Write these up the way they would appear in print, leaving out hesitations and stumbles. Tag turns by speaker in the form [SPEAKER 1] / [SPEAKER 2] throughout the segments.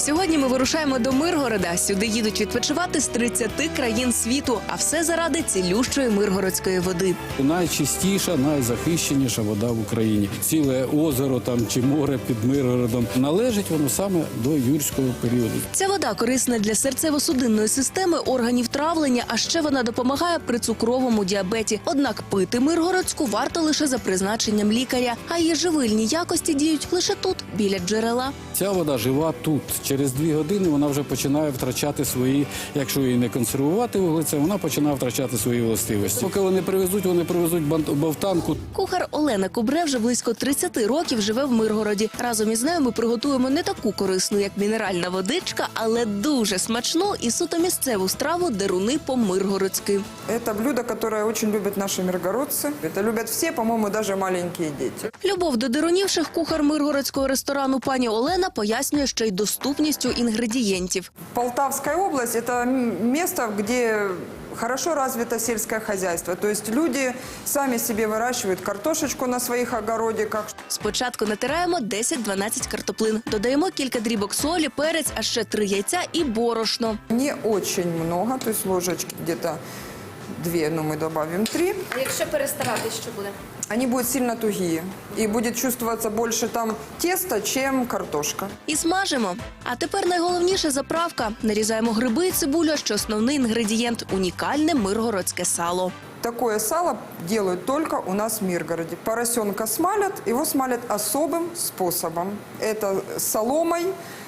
[SPEAKER 1] Сьогодні ми вирушаємо до Миргорода. Сюди їдуть відпочивати з 30 країн світу, а все заради цілющої миргородської води.
[SPEAKER 2] Найчистіша, найзахищеніша вода в Україні. Ціле озеро там чи море під Миргородом. Належить воно саме до юрського періоду.
[SPEAKER 1] Ця вода корисна для серцево-судинної системи, органів травлення, а ще вона допомагає при цукровому діабеті. Однак пити миргородську варто лише за призначенням лікаря, а її живильні якості діють лише тут, біля джерела.
[SPEAKER 2] Ця вода жива тут. Через 2 години вона вже починає втрачати свої, якщо її не консервувати вуглецем, вона починає втрачати свої властивості. Поки вони привезуть бовтанку.
[SPEAKER 1] Кухар Олена Кубре вже близько 30 років живе в Миргороді. Разом із нею ми приготуємо не таку корисну, як мінеральна водичка, але дуже смачну і суто місцеву страву деруни по-миргородськи.
[SPEAKER 3] Это блюдо, которое очень любят наши миргородцы. Это любят все, по-моему, даже маленькие дети.
[SPEAKER 1] Любов до дерунів шеф-кухар миргородського ресторану пані Олена пояснює ще й доступністю інгредієнтів.
[SPEAKER 3] Полтавская область – это место, где хорошо развито сельское хозяйство. То есть люди сами себе выращивают картошечку на своих огородиках.
[SPEAKER 1] Спочатку натираємо 10-12 картоплин, додаємо кілька дрібок солі, перець, а ще 3 яйця і борошно.
[SPEAKER 3] Не очень много, то есть ложечки где-то 2, но мы добавим 3.
[SPEAKER 1] А якщо перестарати, що буде?
[SPEAKER 3] Они будут сильно тугие. И будет чувствоваться больше там теста, чем картошка.
[SPEAKER 1] І смажимо. А тепер найголовніше заправка. Нарізаємо гриби і цибулю, а що основний інгредієнт – унікальне миргородське сало.
[SPEAKER 3] Такое сало делают только у нас в Миргороде. Поросенка смалят, его смалят особым способом. Это соломой,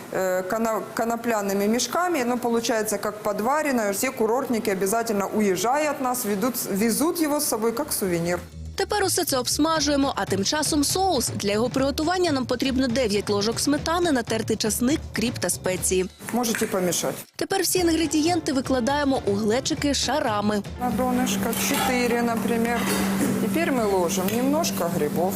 [SPEAKER 3] конопляными мешками, но получается как подваренное. Все курортники обязательно, уезжая от нас, везут его с собой как сувенир.
[SPEAKER 1] Тепер усе це обсмажуємо, а тим часом соус. Для його приготування нам потрібно 9 ложок сметани, натертий часник, кріп та спеції.
[SPEAKER 3] Можете помешать.
[SPEAKER 1] Тепер всі інгредієнти викладаємо у глечики шарами.
[SPEAKER 3] На донышко 4, например. Теперь мы ложим немножко грибов,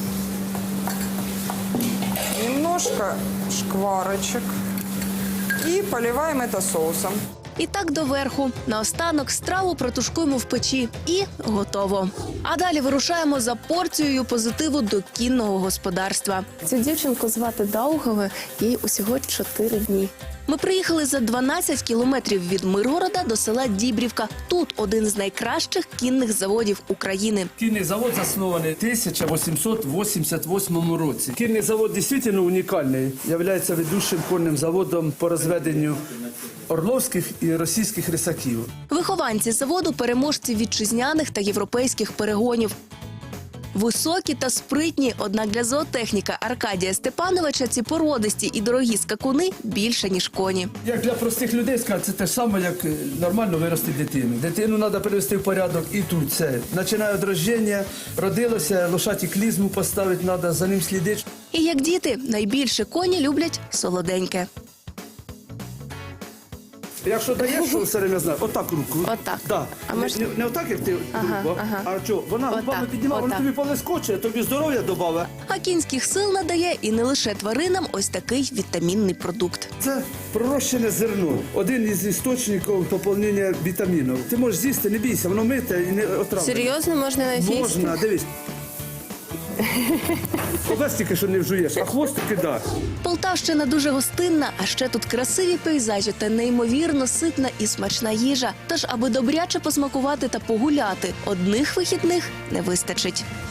[SPEAKER 3] немножко шкварочек и поливаем это соусом.
[SPEAKER 1] І так доверху. Наостанок страву протушкуємо в печі. І готово. А далі вирушаємо за порцією позитиву до кінного господарства.
[SPEAKER 4] Цю дівчинку звати Даугаве, їй усього 4 дні.
[SPEAKER 1] Ми приїхали за 12 кілометрів від Миргорода до села Дібрівка. Тут один з найкращих кінних заводів України.
[SPEAKER 5] Кінний завод заснований в 1888 році. Кінний завод дійсно унікальний. Є ведучим конним заводом по розведенню орловських і російських рисаків.
[SPEAKER 1] Вихованці заводу – переможці вітчизняних та європейських перегонів. Високі та спритні, однак для зоотехніка Аркадія Степановича ці породисті і дорогі скакуни більше, ніж коні.
[SPEAKER 5] Як для простих людей сказати, це те ж саме, як нормально вирости дитину. Дитину треба привести в порядок і тут це. Починає від народження, родилося, лошаті клізму поставити треба, за ним слідити.
[SPEAKER 1] І як діти, найбільше коні люблять солоденьке.
[SPEAKER 5] Якщо даєш, що все время знає, отак руку.
[SPEAKER 4] Отак.
[SPEAKER 5] Да.
[SPEAKER 4] А може-
[SPEAKER 5] Не отак, як ти руку, а що? Вона
[SPEAKER 4] Отак,
[SPEAKER 5] губами піднімає, вона
[SPEAKER 4] отак.
[SPEAKER 5] тобі полескоче, тобі здоров'я додає.
[SPEAKER 1] А кінських сил надає і не лише тваринам ось такий вітамінний продукт.
[SPEAKER 5] Це пророщене зерно. Один із істочників поповнення вітамінів. Ти можеш з'їсти, не бійся, воно мите і не отравлене.
[SPEAKER 4] Серйозно, можна навіть їсти?
[SPEAKER 5] Можна, дивись. Овес тільки що не вжуєш, а хвостики да.
[SPEAKER 1] Полтавщина дуже гостинна, а ще тут красиві пейзажі та неймовірно ситна і смачна їжа. Тож, аби добряче посмакувати та погуляти, одних вихідних не вистачить.